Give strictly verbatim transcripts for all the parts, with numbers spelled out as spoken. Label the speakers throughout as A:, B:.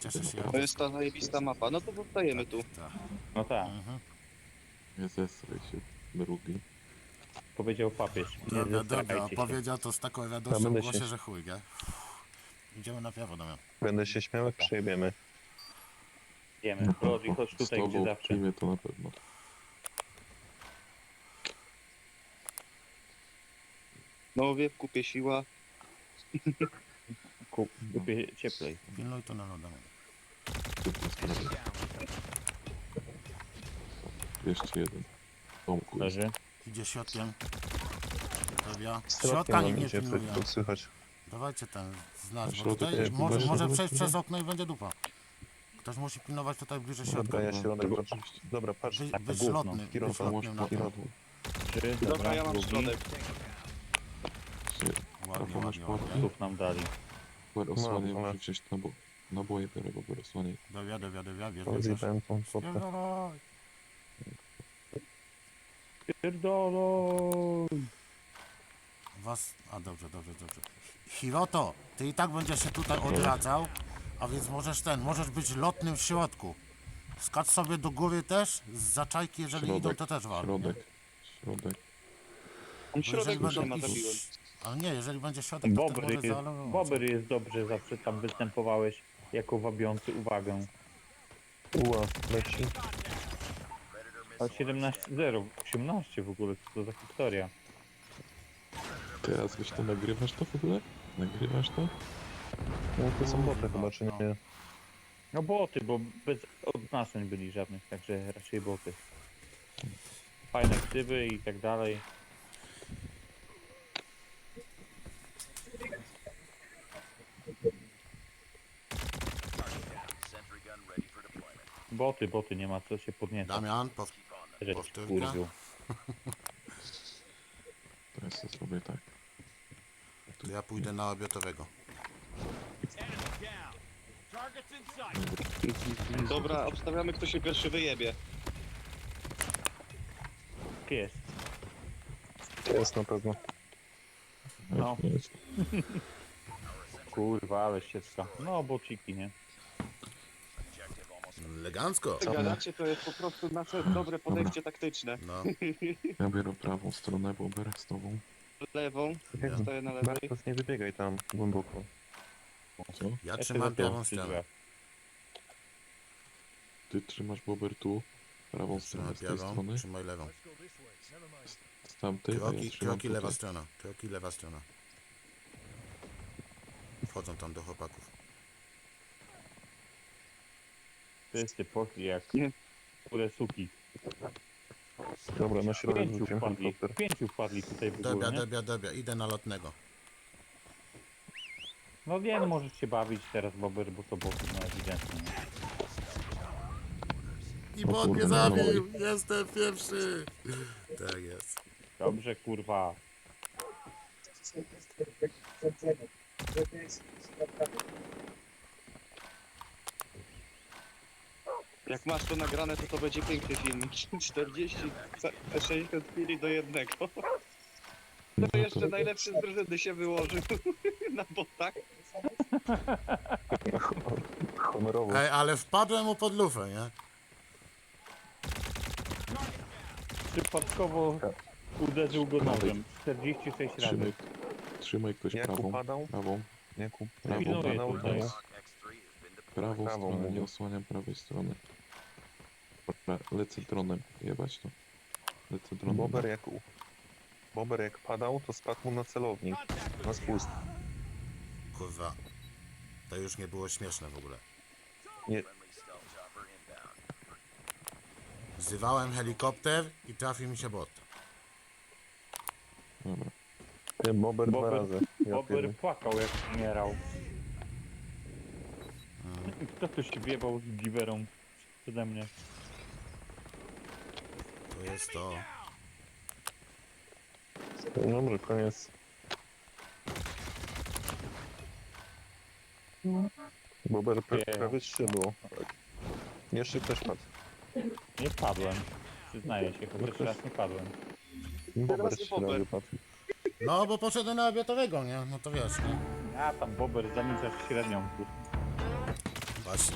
A: cieszę się.
B: To jest ta zajebista mapa. No to zostajemy tu.
A: Tak.
C: No tak,
A: Mhm.
D: Nie zesraj się, drugi.
C: powiedział papież. Nie
A: Dobra, dobra,
C: zesrajcie się.
A: powiedział to z taką
E: Ja
A: radością
E: będę
A: w głosie,
E: się-
A: że chuj, nie? Idziemy na prawo, Damian.
E: Będę się śmiał, jak przejebiemy.
C: Wiemy, Rodzi, chodź
D: Z
C: tutaj, gdzie
D: tobą
C: zawsze.
D: przyjmie to na pewno.
B: No wie, w kupie siła.
C: Kup, kupię cieplej.
A: Pilnuj to na loda.
D: Szybko sprawy. dwieście jeden. Tomku jest.
C: Leży.
A: Idzie środkiem. Dobra.
E: Środkiem
A: Środka
E: nam
A: nikt nie
E: idzie,
A: pilnuje.
E: to słychać.
A: Dawajcie ten znać, bo
D: Środek
A: tutaj
D: jest
A: może,
D: bliżej,
A: może
D: żeby-
A: przejść przez okno i będzie dupa. Ktoś musi pilnować tutaj bliżej środka.
E: Dobra, ja
D: no,
E: się ronek
D: tego
E: patrzę.
D: oczywiście.
E: Dobra, patrz.
A: Być,
C: tak,
A: być
C: gówno.
A: lotny, być
E: Kierowca,
A: lotnym na to.
D: Kierowca.
C: Trzy,
B: Dobra,
C: dobra,
B: ja mam
C: drugi.
B: środek.
A: Ładnie,
D: Masz
A: ładnie,
D: płatki?
A: ładnie.
C: Słów nam dali.
D: Bober osłaniaj,
E: No,
D: muszę
E: no.
D: wziąć nabo naboje biorę, Bober osłaniaj.
A: Dobra, dobra, dobra, wiesz, wiesz, wiesz.
E: Rozjebałem tą fotę.
A: Spierdalaj.
C: Pierdolą!
A: Was... A dobrze, dobrze, dobrze. Hiroto, ty i tak będziesz się tutaj odradzał, a więc możesz ten, możesz być lotnym w środku. Skacz sobie do góry też, z zaczajki, jeżeli
D: Środek,
A: idą, to też wal.
D: Środek, środek.
B: Tam środek
A: Bo
B: już nie
A: jeżeli
B: ma,
A: będą
B: zabiłem.
A: iść... Ale nie, jeżeli będzie środek, to
C: Bobry,
A: też może
C: jest,
A: zaalować.
C: Bobry jest dobrze, zawsze tam występowałeś jako wabiący uwagę.
E: Ua, leci.
C: Ale siedemnaście zero, osiemnaście w ogóle, co to za historia?
D: Teraz wiesz to, nagrywasz to w ogóle? Nagrywasz to?
E: No to są boty chyba, czy nie?
C: No boty, bo bez odznaczeń byli żadnych, także raczej boty. Fajne ksywy i tak dalej. Boty, boty, nie ma co się podniecać.
A: Damian, pow...
C: Że
A: powtórka.
C: kurwił.
D: Teraz ja zrobię tak.
A: to ja pójdę na obiotowego.
B: Dobra, obstawiamy, kto się pierwszy wyjebie.
C: Jest.
E: To jest na pewno.
C: No.
D: Jest.
C: Kurwa, ale ścieżka. No, bociki, nie?
A: Elegancko.
B: Gadacie, to jest po prostu nasze dobre podejście taktyczne.
A: No,
D: Ja biorę prawą stronę, Bober z tobą.
B: Lewą,
E: Jak
B: stoję na lewej.
E: Bartos, nie wybiegaj tam głęboko.
D: Co?
A: ja
C: Jeszcze
A: trzymam
C: za tył,
A: prawą
C: przy
A: stronę.
C: drzwiach.
D: Ty trzymasz Bober tu, prawą stronę
A: Trzymaj
D: z tej
A: prawą,
D: strony,
A: trzymaj lewą.
D: z tamtej, a ja
A: Kroki,
D: trzymam
A: kroki lewa
D: tutaj.
A: strona, kroki lewa strona. Wchodzą tam do chłopaków.
C: Wszyscy poszli jak
B: Nie.
C: kurde suki.
E: Dobra, na środek
C: Pięciu
E: wróciłem
C: wpadli,
E: helikopter.
C: pięciu wpadli tutaj w
A: Dobra,
C: górę, nie?
A: dobra, dobra, idę na lotnego.
C: No wiem, możesz się bawić teraz, Bober, bo to boty, no ewidentnie. nie?
A: I
D: O
A: bot mnie
D: kurwa, no.
A: zabił! Jestem pierwszy! Tak jest.
C: Dobrze, kurwa.
B: Jak masz to nagrane, to to będzie piękny filmik. czterdzieści, sześćdziesiąt chwili do jednego.
D: No
B: To jeszcze najlepszy z drużyny się wyłożył na botach.
E: Honorowo.
A: Ej, ale wpadłem mu pod lufę, nie?
C: Przypadkowo uderzył go nożem. czterdzieści sześć razy.
D: Trzymaj, trzymaj ktoś
E: Jak
D: prawą,
E: upadał?
D: prawą,
E: Jakub,
D: Prawo,
E: Jakub
C: pilnuję
E: padał,
C: tutaj.
E: to
D: prawą
E: Prawą
D: stronę, nie
E: mówię.
D: osłaniam prawej strony. Dobra, lecę dronem, jebać to. Lecę dronem.
E: Bober jak u... Bober jak padał, to spadł mu na celownik. Na spust.
A: Kurwa. To już nie było śmieszne w ogóle.
E: Nie,
A: Wzywałem helikopter i trafił mi się bot.
D: Dobra.
E: nie, Bober dwa
C: Bober-
E: razy. Ja
C: Bober
E: pierdolę.
C: płakał jak umierał. Kto tu się wjebał z giwerą przede mnie?
A: To jest to.
E: Dobra, koniec. Bober pra-
C: Nie.
E: prawie trzy było. Jeszcze ktoś padł.
C: Nie padłem. Przyznaję się, chociaż raz nie padłem.
E: Bober
B: Teraz
E: trzy
B: Bober.
E: razy padł.
A: No, bo poszedłem na obiotowego, nie? No to wiesz, nie?
C: A tam Bober zaniczasz średnią. kurwa.
A: Właśnie.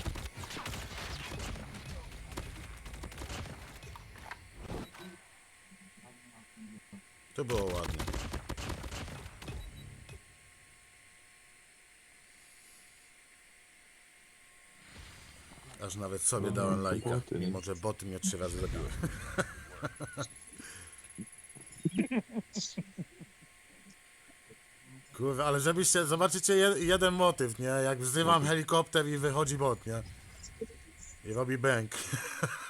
A: To było ładnie. Aż nawet sobie
D: No,
A: dałem
D: to
A: lajka,
D: boty, nie?
A: mimo że boty mnie trzy razy zabiły. Kurwa, ale żebyście, zobaczycie je, jeden motyw, nie? Jak wzywam helikopter i wychodzi bot, nie? I robi bęk.